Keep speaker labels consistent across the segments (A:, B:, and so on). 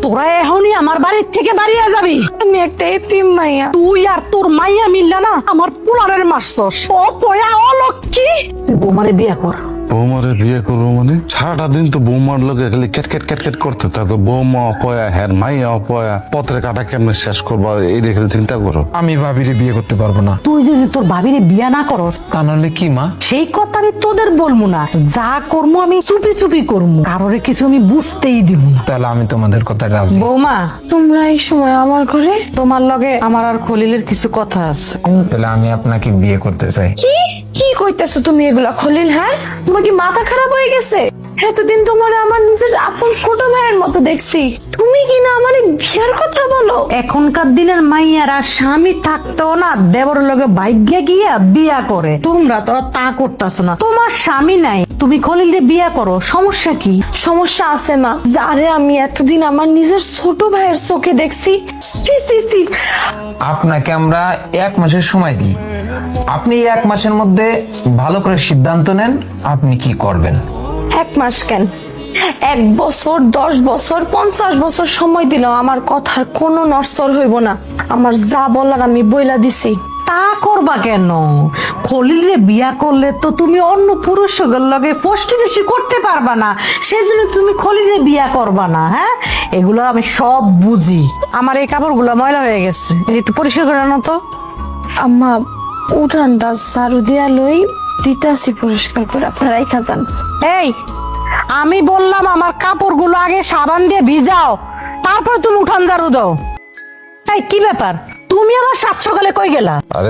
A: তোরা এখনই আমার বাড়ির থেকে বাড়িয়ে যাবি।
B: আমি একটা এতিম মাইয়া।
A: তুই আর তোর মাইয়া মিললা না আমার পোলারের মারছস। ও পয়া অলক্ষী, তুই বৌমারে বিয়া কর।
C: বৌমারে বিয়ে করবো মানে? সারাটা দিন তো বৌমার লোকে খালি ক্যাট ক্যাট করতে থাকো। বৌমা অপয়া, হ্যাঁ মাইয়া অপয়া, পত্রের কাটা কেমনে শেষ করবো এই দেখে চিন্তা করো।
D: আমি ভাবিরে বিয়ে করতে পারবো না।
A: তুই যদি তোর ভাবিরে বিয়া না করস
D: তা নাহলে কি মা?
A: সেই কথা আমি তোদের বলবো না। যা করবো আমি চুপি চুপি করবো, কারোর কিছু আমি বুঝতেই দিব না।
D: তাহলে আমি তোমাদের কথা রাজি।
A: বৌমা,
B: তোমরা এই সময় আমার ঘরে?
A: তোমার লগে আমার আর খলিলের কিছু কথা আছে।
D: তাহলে আমি আপনাকে বিয়ে করতে চাই।
B: কি কি কইতেছো তুমি এগুলা খলিল? হ্যাঁ, তোমার কি মাথা খারাপ হয়ে গেছে? এতদিন তোমার আমার নিজের আপন ছোট ভাইয়ের মতো দেখছি, তুমি কি না আমার বিয়ার কথা বলো?
A: এখনকার দিনের মাইয়ারা স্বামী থাকতেও না দেবর লগে ভাগ্যে গিয়া বিয়া করে। তোমরা তো তা করতেছ না, তোমার স্বামী নাই, তুমি খলিলে বিয়া করো, সমস্যা কি?
B: সমস্যা আছে মা, যারে আমি এতদিন আমার নিজের ছোট ভাইয়ের চোখে দেখছি। ছি, ছি, ছি।
D: আপনাকে আমরা 1 মাসের সময় দিই। আপনি 1 মাসের মধ্যে ভালো করে সিদ্ধান্ত নেন আপনি কি করবেন।
B: 1 মাস কেন, 1 বছর, 10 বছর, 50 বছর সময় দিলেও আমার কথার কোনো নড়চড় হইব না। আমার যা বলার আমি বইলা দিছি।
A: তা করবা কেন? খলিলে বিয়া করলে তো তুমি অন্য পুরুষের লগে পষ্টি বেশি করতে পারবা না, সেজন্য তুমি খলিলে বিয়া করবা না। হ্যাঁ, এগুলো আমি সব বুঝি। আমার এই কাপড়গুলো ময়লা হয়ে গেছে, একটু পরিষ্কার করে আনো তো।
B: আম্মা, উঠানটা ঝাড়ু দিয়া লই, দিতাছি পরিষ্কার করে, আপনারা রাইখা যান।
A: এই, আমি বললাম আমার কাপড়গুলো আগে সাবান দিয়ে ভিজাও, তারপর তুমি উঠান ঝাড়ু দাও। এই কি ব্যাপার, তুমি আমার 7 সকালে কই গেলা?
C: আরে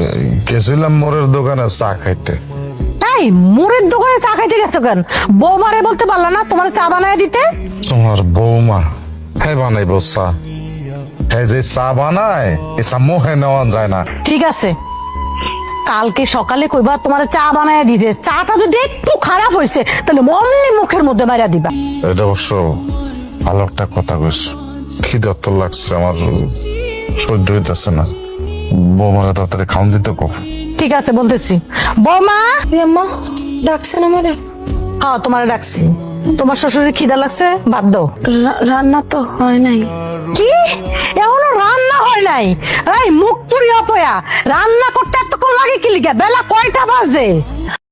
C: গেছিলাম মোরের দোকানে চা খাইতে।
A: এই মুড়ের দোকানে চা খাইতে গেছো কেন? বৌমারে বলতে পারলা না তোমার চা বানায় দিতে?
C: তোমার বৌমা হ্যাঁ বানাইবো চা? হ্যাঁ, যে চা বানায় এ চা মোহে নেওয়া যায় না।
A: ঠিক আছে, কালকে সকালে কইবা তোমার চা বানায় দিতে। চাটা যদি একটু খারাপ হয়েছে তাহলে অমনি মুখের মধ্যে মাইরা দিবা।
C: এটা অবশ্য ভালো একটা কথা কইছো। খিদার্ত লাগছে আমার, সহ্য হইতেছে না। বৌমাকে তাড়াতাড়ি খাওয়ান দিতে কো।
A: ঠিক আছে, বলতেছি। বৌমা,
B: আম্মা ডাকছেন আমারে?
A: হ্যাঁ তোমারে ডাকছি। তোমার শ্বশুরের খিদা লাগছে, ভাত দাও।
B: রান্না তো হয় নাই।
A: কি এখনো রান্না হয় নাই? এই মুখ পুরি অপয়া, রান্না করতে এতক্ষণ লাগে কি লিগা? বেলা কয়টা বাজে?